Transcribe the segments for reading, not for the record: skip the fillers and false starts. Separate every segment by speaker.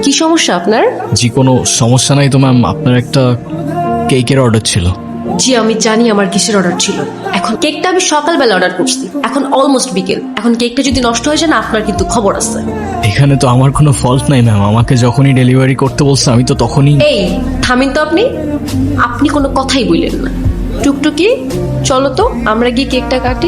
Speaker 1: কি সমস্যা আপনার?
Speaker 2: জি কোনো সমস্যা নাই তো ম্যাম, আপনার একটা কেকের অর্ডার ছিল।
Speaker 1: জি আমি জানি আমার কিসের অর্ডার ছিল। এখন কেকটা আমি সকালবেলা অর্ডার করছি, এখন অলমোস্ট বিকেল। এখন কেকটা যদি নষ্ট হয়ে যায় না, আপনার কিন্তু খবর আছে।
Speaker 2: এখানে তো আমার কোনো ফল্ট নাই ম্যাম, আমাকে যখনই ডেলিভারি করতে বলছে আমি তো তখনই।
Speaker 1: এই থামিন তো আপনি, আপনি কোনো কথাই বললেন না। টুকটুকি চলো তো আমরা গিয়ে কেকটা কাটি।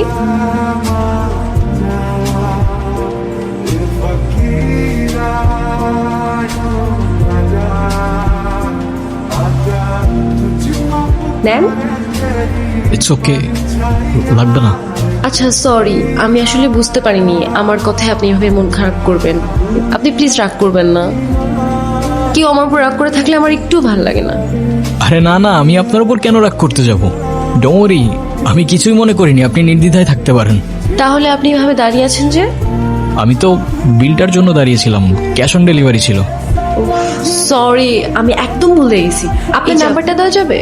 Speaker 1: নেন।
Speaker 2: ইটস ওকে, লাগবে না।
Speaker 1: আচ্ছা সরি, আমি আসলে বুঝতে পারিনি আমার কথায় আপনি এভাবে মন খারাপ করবেন। আপনি প্লিজ রাগ করবেন না। কেউ আমার উপর রাগ করে থাকলে আমার একটু ভালো লাগে না।
Speaker 2: আরে না না, আমি আপনার উপর কেন রাগ করতে যাব? ডোন্ট ওয়ারি, আমি কিছুই মনে করিনি, আপনি নির্দ্বিধায় থাকতে পারেন।
Speaker 1: তাহলে আপনি এভাবে দাঁড়িয়ে আছেন যে?
Speaker 2: আমি তো বিলটার জন্য দাঁড়িয়েছিলাম, ক্যাশ অন ডেলিভারি ছিল।
Speaker 1: সরি, আমি একদম ভুলে গেছি। আপনার নাম্বারটা দেওয়া যাবে?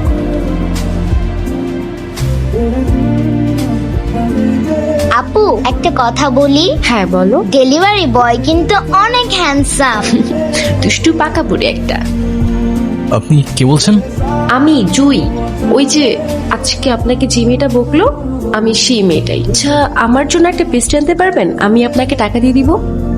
Speaker 3: আপু একটা কথা বলি।
Speaker 1: হ্যাঁ বলো।
Speaker 3: ডেলিভারি বয় কিন্তু অনেক হ্যান্ডসাম।
Speaker 1: দুষ্টু পাকা বুড়ি একটা।
Speaker 2: আপনি কে বলছেন?
Speaker 1: আমি জুই, ওই যে আজকে আপনাকে যে মেয়েটা বকলো আমি সেই মেয়েটাই। আচ্ছা আমার জন্য একটা পেস্ট্রি আনতে পারবেন? আমি আপনাকে টাকা দিয়ে দিব।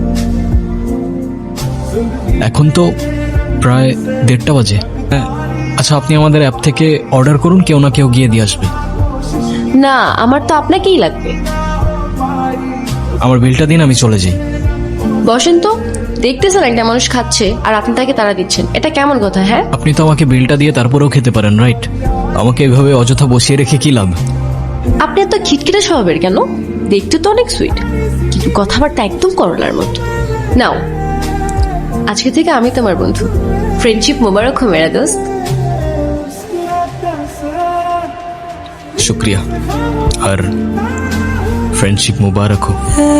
Speaker 2: এখন তো প্রায় 1:30 বাজে। হ্যাঁ, আচ্ছা আপনি আমাদের অ্যাপ থেকে অর্ডার করুন, কেউ না কেউ গিয়ে দিয়ে আসবে।
Speaker 1: না আমার তো আপনাকেই লাগবে।
Speaker 2: আমার বিলটা দিন, আমি চলে যাই।
Speaker 1: বসেন তো, দেখতেছেন একটা মানুষ খাচ্ছে আর আপনি তাকে তাড়া দিচ্ছেন, এটা কেমন কথা? হ্যাঁ
Speaker 2: আপনি তো আমাকে বিলটা দিয়ে তারপরেও খেতে পারেন, রাইট? আমাকে এভাবে অযথা বসিয়ে রেখে কি লাভ?
Speaker 1: আপনি এত খিটখিটে স্বভাবের কেন? দেখতে তো অনেক সুইট, কিন্তু কথাবার্তা একদম করলার মতো। নাও, আজকে থেকে আমি তোমার বন্ধু। ফ্রেন্ডশিপ মোবারক হো মেরা দোস্ত।
Speaker 2: শুক্রিয়া, আর ফ্রেন্ডশিপ মুবারক হোক।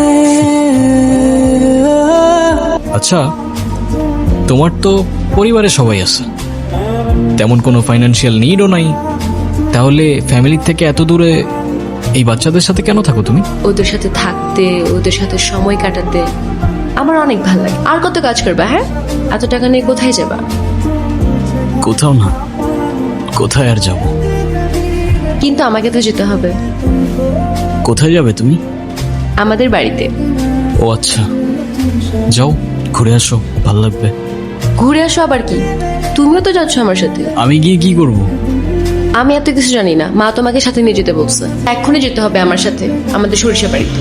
Speaker 2: আচ্ছা, তোমার তো পরিবারে সবাই আছে, তেমন কোনো ফাইন্যান্সিয়াল নিডও নাই, তাহলে ফ্যামিলির থেকে এত দূরে এই বাচ্চাদের সাথে কেন থাকো তুমি?
Speaker 1: ওদের সাথে থাকতে, ওদের সাথে সময় কাটাতে আমার অনেক ভালো লাগে। আর কত কাজ করবা? হ্যাঁ, এত টাকা নিয়ে কোথায় যাবা?
Speaker 2: কোথাও না, কোথায় আর যাব?
Speaker 1: কিন্তু আমাকে তো যেতে হবে।
Speaker 2: কোথায় যাবে তুমি?
Speaker 1: আমাদের বাড়িতে।
Speaker 2: ও আচ্ছা, যাও ঘুরে আসো, ভালো লাগবে।
Speaker 1: ঘুরে আসো আবার কি? তুমিও তো যাচ্ছ আমার সাথে।
Speaker 2: আমি গিয়ে কি করব?
Speaker 1: আমি এত কিছু জানি না, মা তোমাকে সাথে নিয়ে যেতে বলছে। এক্ষুনি যেতে হবে আমার সাথে আমাদের সরিষা বাড়িতে।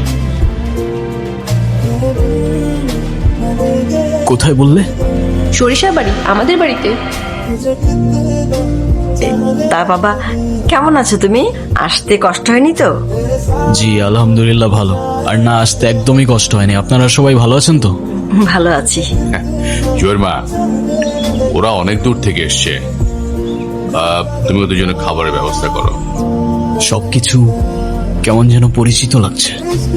Speaker 2: কোথায় বললে?
Speaker 1: সরিষা বাড়ি, আমাদের বাড়িতে।
Speaker 4: তা বাবা কেমন আছো তুমি? আসতে কষ্ট হয়নি তো?
Speaker 2: জি আলহামদুলিল্লাহ ভালো, আর না আসতে একদমই কষ্ট হয়নি। আপনারা সবাই ভালো আছেন তো?
Speaker 4: ভালো আছি।
Speaker 5: জয়ের মা, ওরা অনেক দূর থেকে এসছে, তুমি ওদের জন্য খাবারের ব্যবস্থা করো।
Speaker 2: সবকিছু কেমন যেন পরিচিত লাগছে,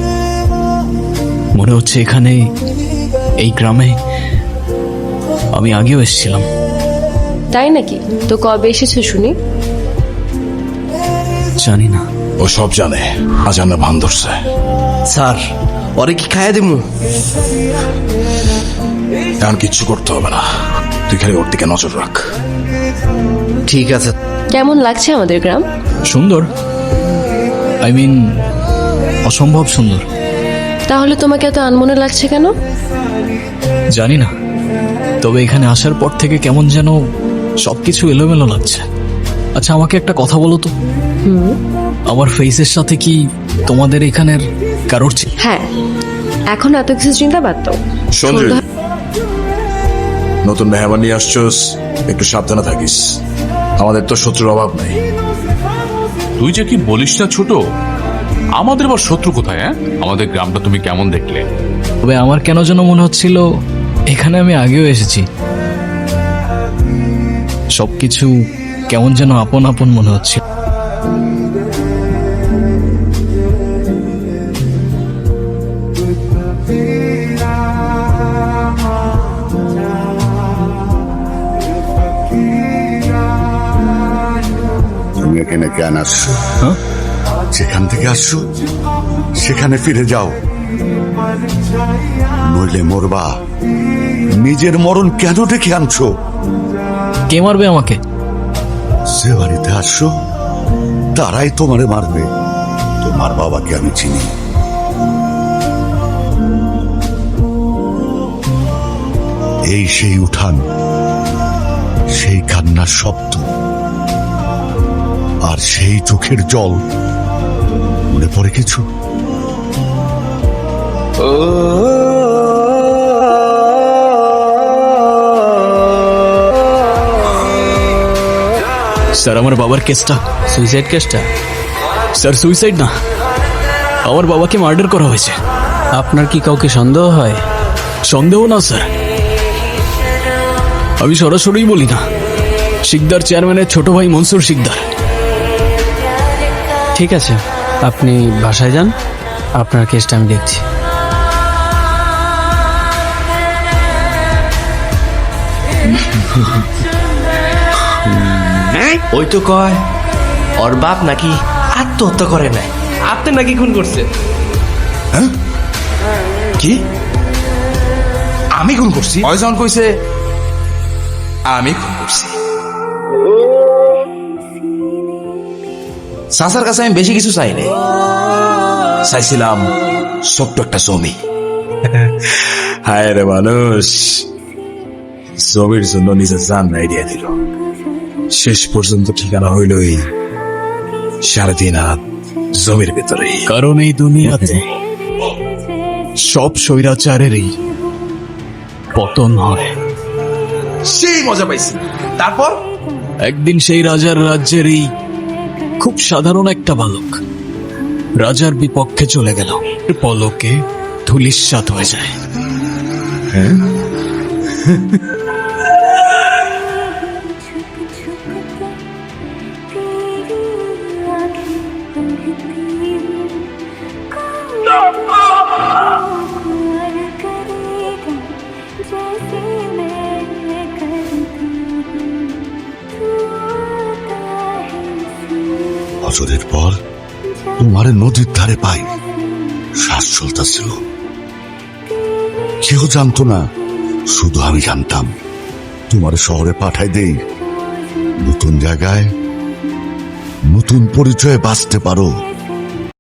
Speaker 2: মনে হচ্ছে এখানে এই গ্রামে আমি আগেও এসেছিলাম।
Speaker 1: তাই নাকি? তো কবে এসেছো শুনি?
Speaker 2: জানি না।
Speaker 6: ও সব জানে, আজ আমরা ভান ধরছে।
Speaker 7: স্যার ওরে কি খাইয়া দিমু?
Speaker 6: এখন কিচ্ছু করতে হবে না, তুই খালি ওর দিকে নজর রাখ।
Speaker 7: ঠিক আছে।
Speaker 1: কেমন লাগছে আমাদের গ্রাম?
Speaker 2: সুন্দর, আই মিন অসম্ভব সুন্দর।
Speaker 1: তাহলে তোমাকে এত আনমনে লাগছে কেন?
Speaker 2: জানি না, তবে এখানে আসার পর থেকে কেমন যেন সবকিছু এলোমেলো লাগছে। আচ্ছা আমাকে একটা কথা বলো তো, আমার ফেসের সাথে কি তোমাদের এখানের কারোর
Speaker 1: হ্যাঁ, এখন এত কিছু চিন্তা বাদ দাও।
Speaker 6: সঞ্জয়, নতুন মেহমান নিয়ে আসছোস, একটু সাবধানে থাকিস। আমাদের তো শত্রুর অভাব নাই।
Speaker 5: তুই যে কি বলিস না ছোট, আমাদের আবার শত্রু কোথায়? হ্যাঁ, আমাদের গ্রামটা তুমি কেমন দেখলে?
Speaker 2: তবে আমার কেন যেন মনে হচ্ছিল এখানে আমি আগেও এসেছি। সবকিছু কেমন যেন আপন আপন মনে হচ্ছে।
Speaker 6: তুমি এখানে কেন আসছো?
Speaker 2: হ্যাঁ?
Speaker 6: যেখান থেকে আসছো সেখানে ফিরে যাও, নইলে মরবা।
Speaker 8: নিজের মরণ কেন ডেকে আনছো?
Speaker 2: কে মারবে আমাকে?
Speaker 8: যে বাড়িতে আসছো তারাই তোমারে মারবে। তোমার বাবাকে আমি চিনি। এই সেই উঠান, সেই কান্নার শব্দ, আর সেই চোখের জল। মনে পড়ে কিছু?
Speaker 2: স্যার, আমার বাবার কেসটা সুইসাইড কেসটা। স্যার, সুইসাইড না, আমার বাবাকে মার্ডার করা হয়েছে।
Speaker 9: আপনার কি কাউকে সন্দেহ হয়?
Speaker 2: সন্দেহ না স্যার, আমি সরাসরি বলি না, শিকদার চেয়ারম্যানের ছোট ভাই মনসুর শিকদার।
Speaker 9: ঠিক আছে, আপনি বাসায় যান, আপনার কেসটা আমি দেখছি।
Speaker 7: ওই তো কয় ওর বাপ নাকি আত্মহত্যা করে নাই, আপনি নাকি খুন করছে।
Speaker 6: হ্যাঁ? কি? আমি খুন করছি? অয়জন কইছে আমি খুন করছি। চাচার কাছে আমি বেশি কিছু চাই নাই, চাইছিলাম ছোট্ট একটা জমি। হায় রে মানুষ, জমির জন্য নিজের জান নাই দিয়ে দিল। শেষ পর্যন্ত ঠিকানা হইল এই 3.5 হাত জমির ভেতরে।
Speaker 2: কারণ এই দুনিয়াতে সব স্বৈরাচারেরই পতন হয়।
Speaker 6: সেই মজা পাইছি। তারপর
Speaker 2: একদিন সেই রাজার রাজ্যের এই খুব সাধারণ একটা বালক রাজার বিপক্ষে চলে গেল, পলকে ধূলিসাৎ হয়ে যায়।
Speaker 8: বছরের পর তোমার নদীর ধারে পাই, শ্বাস চলতেছিল। কেউ জানতো না, শুধু আমি জানতাম। তোমার শহরে পাঠাই দেই, নতুন জায়গায় নতুন পরিচয়ে বাঁচতে পারো।